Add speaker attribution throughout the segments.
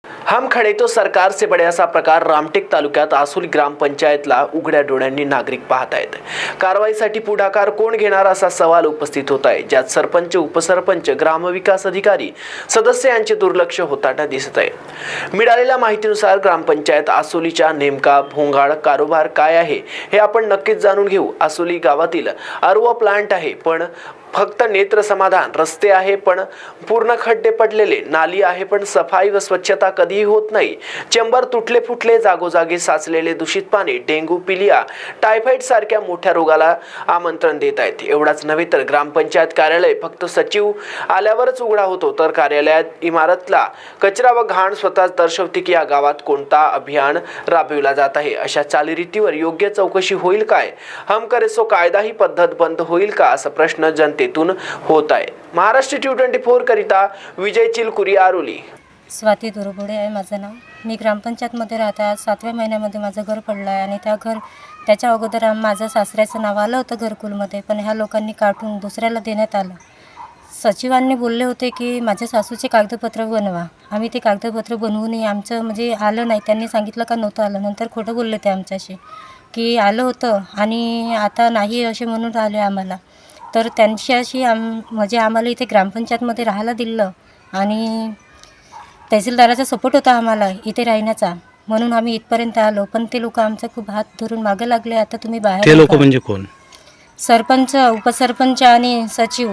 Speaker 1: हम खड़े तो सरकार से बड़े असा प्रकार रामटेक तालुक्यात आसुली ग्रामपंचायतला उघड्या डोळ्यांनी नागरिक पाहत आहेत. कारवाईसाठी पुढाकार कोण घेणार असा सवाल उपस्थित होत आहे, ज्यात सरपंच, उपसरपंच, ग्रामविकास अधिकारी, सदस्य यांचे दुर्लक्ष होताना दिसत आहे. मिळालेल्या माहितीनुसार ग्रामपंचायत आसुलीच्या नेमका भोंगाळ कारभार काय आहे हे आपण नक्कीच जाणून घेऊ. आसुली गावातील आरओ प्लांट आहे, पण फक्त नेत्र समाधान, रस्ते आहे पण पूर्ण खड्डे पडलेले, नाली आहे पण सफाई व स्वच्छता कधीही होत नाही. चेंबर तुटले फुटले, जागोजागी साचलेले दूषित पाणी डेंग्यू, पिलिया, टायफॉइड सारख्या मोठ्या रोगाला आमंत्रण देत आहेत. एवढाच नव्हे तर ग्रामपंचायत कार्यालय फक्त सचिव आल्यावरच उघडा होतो, तर कार्यालयात इमारतला कचरा व घाण स्वतःच दर्शवते की या गावात कोणता अभियान राबविला जात आहे. अशा चालीरीतीवर योग्य चौकशी होईल काय? हम करे सो कायदा ही पद्धत बंद होईल का, असा प्रश्न जनतेतून होत आहे. महाराष्ट्र T24 करिता विजय चिलकुरी, आरोली.
Speaker 2: स्वाती दुर्बुडे आहे माझं नाव. मी ग्रामपंचायतमध्ये राहते. आज 7व्या महिन्यामध्ये माझं घर पडलं आहे आणि त्याच्या अगोदर माझं सासऱ्याचं नाव आलं होतं घरकुलमध्ये, पण ह्या लोकांनी काढून दुसऱ्याला देण्यात आलं. सचिवांनी बोलले होते की माझ्या सासूचे कागदपत्र बनवा. आम्ही ते कागदपत्र बनवूनही आमचं म्हणजे आलं नाही. त्यांनी सांगितलं का नव्हतं आलं. नंतर खोटं बोलले ते आमच्याशी की आलं होतं आणि आता नाही असे म्हणून राहिले आम्हाला. तर त्यांच्याशी म्हणजे आम्हाला इथे ग्रामपंचायतमध्ये राहायला दिलं आणि तहसीलदाराचा सपोर्ट होता आम्हाला इथे राहण्याचा, म्हणून आम्ही इथपर्यंत आलो. पण ते लोक आमचा खूप हात धरून मागे लागले. आता तुम्ही बाहेर.
Speaker 3: ते लोक म्हणजे कोण?
Speaker 2: सरपंच, उपसरपंच आणि सचिव.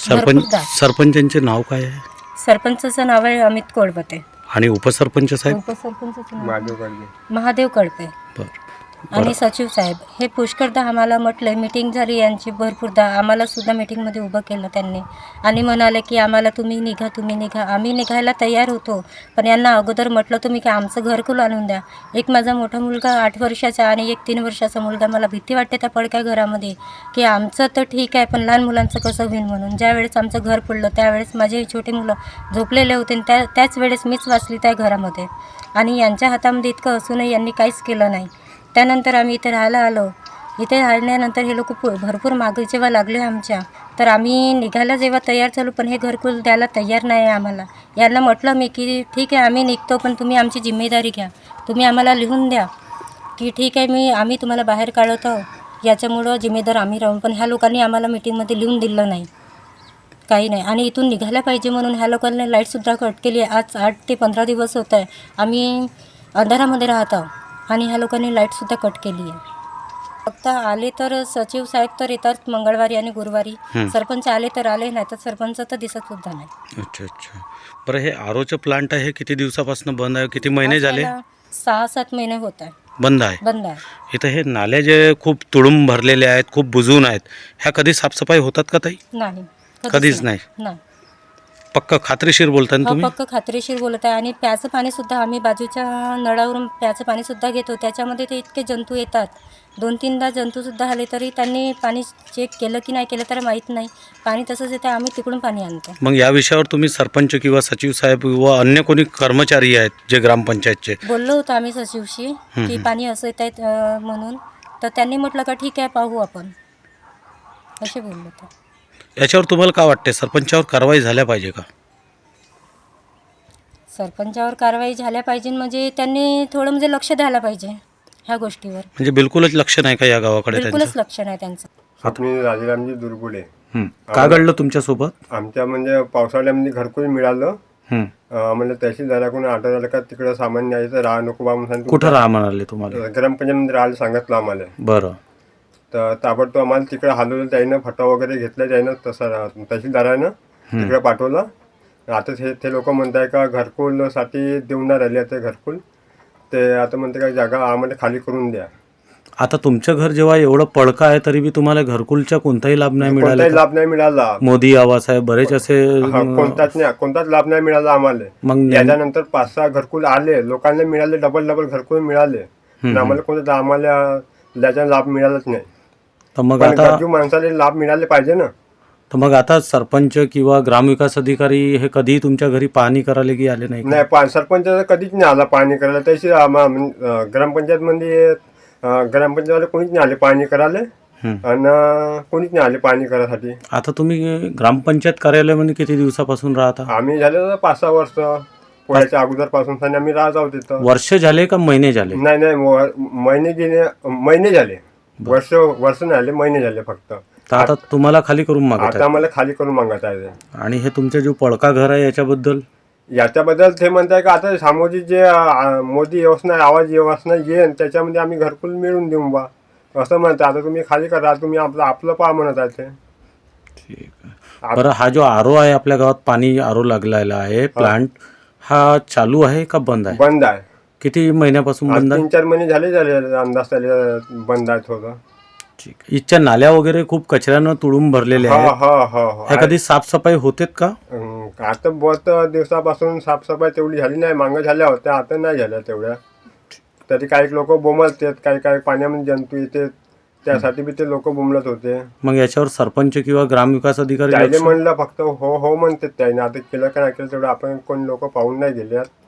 Speaker 3: सरपंचांचे नाव काय आहे?
Speaker 2: सरपंचाचं नाव आहे अमित कोळपते
Speaker 3: आणि उपसरपंच साहेब?
Speaker 2: उपसरपंचाचं नाव महादेव कळपे
Speaker 3: बरं.
Speaker 2: आणि सचिव साहेब. हे पुष्कळदा आम्हाला म्हटलं, मीटिंग झाली यांची भरपूरदा. आम्हाला सुद्धा मीटिंगमध्ये उभं केलं त्यांनी आणि म्हणाले की आम्हाला तुम्ही निघा. आम्ही निघायला तयार होतो, पण यांना अगोदर म्हटलं तुम्ही की आमचं घरकुल आणून द्या. एक माझा मोठा मुलगा 8 वर्षाचा आणि एक 3 वर्षाचा मुलगा. मला भीती वाटते त्या पडक्या घरामध्ये की आमचं तर ठीक आहे, पण लहान मुलांचं कसं होईल म्हणून. ज्यावेळेस आमचं घर पडलं त्यावेळेस माझे छोटे मुलं झोपलेले होते आणि त्याच वेळेस मीच वाचली त्या घरामध्ये आणि यांच्या हातामध्ये इतकं असूनही यांनी काहीच केलं नाही. त्यानंतर आम्ही इथे राहायला आलो. इथे राहिल्यानंतर हे लोक भरपूर मागे जेव्हा लागले आमच्या, तर आम्ही निघायला जेव्हा तयार झालो, पण हे घरकुल द्यायला तयार नाही आहे आम्हाला. यांना म्हटलं मी की ठीक आहे आम्ही निघतो, पण तुम्ही आमची जिम्मेदारी घ्या. तुम्ही आम्हाला लिहून द्या की ठीक आहे आम्ही तुम्हाला बाहेर काढतो, याच्यामुळं जिम्मेदार आम्ही राहून. पण ह्या लोकांनी आम्हाला मीटिंगमध्ये लिहून दिलं नाही, काही नाही. आणि इथून निघायला पाहिजे म्हणून ह्या लोकांनी लाईटसुद्धा कट केली आहे. आज 8 ते 15 दिवस होत आहे आम्ही अंधारामध्ये राहत आहोत आणि ह्या लोकांनी लाईटसुद्धा कट केली आहे. फक्त आले तर सचिव साहेब तर येतात मंगळवारी आणि गुरुवारी. सरपंच आले तर आले, नाही तर सरपंच तर दिसत सुद्धा नाही.
Speaker 3: अच्छा. बरं, हे आरोचं प्लांट आहे किती दिवसापासून बंद आहे? किती महिने झाले?
Speaker 2: 6-7 महिने होत आहे
Speaker 3: बंद आहे. इथं हे नाले जे खूप तुडूंब भरलेले आहेत, खूप बुजून आहेत, ह्या कधी साफसफाई होतात का ताई?
Speaker 2: नाही,
Speaker 3: कधीच नाही. पक्का खात्रीशीर बोलता ना तुम्ही?
Speaker 2: पक्क खात्रीशीर बोलत आहे. आणि प्याचं पाणीसुद्धा आम्ही बाजूच्या नळावरून प्याचं पाणीसुद्धा घेतो. त्याच्यामध्ये ते इतके जंतू येतात. 2-3दा जंतूसुद्धा आले तरी त्यांनी पाणी चेक केलं की नाही केलं तर माहीत नाही. पाणी तसंच येतं, आम्ही तिकडून पाणी आणतो.
Speaker 3: मग या विषयावर तुम्ही सरपंच किंवा सचिव साहेब किंवा अन्य कोणी कर्मचारी आहेत जे ग्रामपंचायतचे?
Speaker 2: बोललो होतो आम्ही सचिवशी की पाणी असं येत आहेत म्हणून. तर त्यांनी म्हटलं का ठीक आहे पाहू आपण, असे बोललो होतो.
Speaker 3: याच्यावर तुम्हाला काय वाटते, सरपंचावर कारवाई झाल्या पाहिजे का?
Speaker 2: सरपंचावर कारवाई झाल्या पाहिजे म्हणजे त्यांनी थोडं म्हणजे लक्ष द्यायला पाहिजे ह्या गोष्टीवर.
Speaker 3: म्हणजे बिलकुलच लक्ष नाही का या गावाकडे?
Speaker 2: बिलकुलच लक्ष नाही त्यांचं.
Speaker 4: मी राजारामजी दुर्बुडे.
Speaker 3: काय घडलं तुमच्यासोबत?
Speaker 4: आमच्या म्हणजे पावसाळ्यामध्ये घरकुल मिळालं. म्हणजे तहसीलदाराकडून ऑर्डर आलं का तिकडं सामान न्यायचं, राहा नको बा म्हणून.
Speaker 3: कुठं राहा म्हणाले तुम्हाला?
Speaker 4: ग्रामपंचायतमध्ये राहायला सांगितलं आम्हाला.
Speaker 3: बरं.
Speaker 4: तर ताबडतोब आम्हाला तिकडे हलवलं त्यानं, फटा वगैरे घेतला त्यानं, तसं तहसीलदारानं तिकडे पाठवलं. आता ते लोक म्हणत आहे का घरकुलसाठी देऊन नाही राहिले ते घरकुल. ते आता म्हणते का जागा आम्हाला खाली करून द्या.
Speaker 3: आता तुमचं घर जेव्हा एवढं पडकं आहे तरी बी तुम्हाला घरकुलचा कोणताही लाभ नाही मिळाला?
Speaker 4: कोणताही लाभ नाही मिळाला.
Speaker 3: मोदी आवास आहे, बरेच असे
Speaker 4: कोणताच लाभ नाही मिळाला आम्हाला.
Speaker 3: मग
Speaker 4: त्याच्यानंतर 5-6 घरकुल आले, लोकांना मिळाले, डबल घरकुल मिळाले. आम्हाला कोणता आम्हाला त्याचा लाभ मिळालाच नाही.
Speaker 3: तर मग आता
Speaker 4: गरजू माणसाला लाभ मिळाले पाहिजे ना.
Speaker 3: तर मग आता सरपंच किंवा ग्रामविकास अधिकारी हे कधी तुमच्या घरी पाहणी करायला की आले नाही?
Speaker 4: नाही, सरपंच कधीच नाही आला पाहणी करायला. तशी ग्रामपंचायतमध्ये ग्रामपंचायतवाले कोणीच नाही आले पाहणी करायला आणि कोणीच नाही आले पाहणी करायसाठी.
Speaker 3: आता तुम्ही ग्रामपंचायत कार्यालयामध्ये किती दिवसापासून राहता?
Speaker 4: आम्ही झाले 5-6 वर्ष. पोळ्याच्या अगोदरपासून आणि आम्ही राहत आहोत तिथं.
Speaker 3: वर्ष झाले का महिने झाले?
Speaker 4: नाही नाही महिने झाले. वर्ष नाही झाले, महिने झाले फक्त.
Speaker 3: तर आता तुम्हाला खाली करून मागत
Speaker 4: आता
Speaker 3: आहे.
Speaker 4: आम्हाला खाली करून मागत आहे.
Speaker 3: आणि हे तुमचे जो पडका घर आहे याच्याबद्दल
Speaker 4: याच्याबद्दल ते म्हणताय का आता सामोजी जे मोदी योजना आवाज योजना येईल त्याच्यामध्ये आम्ही घरकुल मिळून देऊ बा असं म्हणतात. आता तुम्ही खाली करा, तुम्ही आपलं पहा म्हणत आहे ते.
Speaker 3: ठीक आहे. बरं, हा जो आरो आहे आपल्या गावात, पाणी आरो लागलेला आहे प्लांट, हा चालू आहे का बंद आहे?
Speaker 4: बंद आहे.
Speaker 3: किती महिन्यापासून बंद आहे?
Speaker 4: 3-4 महिने झाले अंदाज त्याला बंद आहे थोडं.
Speaker 3: ठीक आहे. इथच्या नाल्या वगैरे खूप कचऱ्यानं तुडूंब भरलेले आहेत.
Speaker 4: हो.
Speaker 3: ह्या कधी साफसफाई होतेत का?
Speaker 4: आता बहुत दिवसापासून साफसफाई तेवढी झाली नाही. मागं झाल्या होत्या, आता नाही झाल्या तेवढ्या. तरी काही लोक बोंबलतात, काही पाण्यामध्ये जंतू येते त्यासाठी बी ते लोक बोंबलत होते.
Speaker 3: मग याच्यावर सरपंच किंवा ग्रामविकास अधिकारी
Speaker 4: त्याने
Speaker 3: लक्ष-
Speaker 4: म्हणलं फक्त हो म्हणतात त्याने. आता केलं का नाही केलं तेवढं आपण कोण लोक पाहून नाही गेले.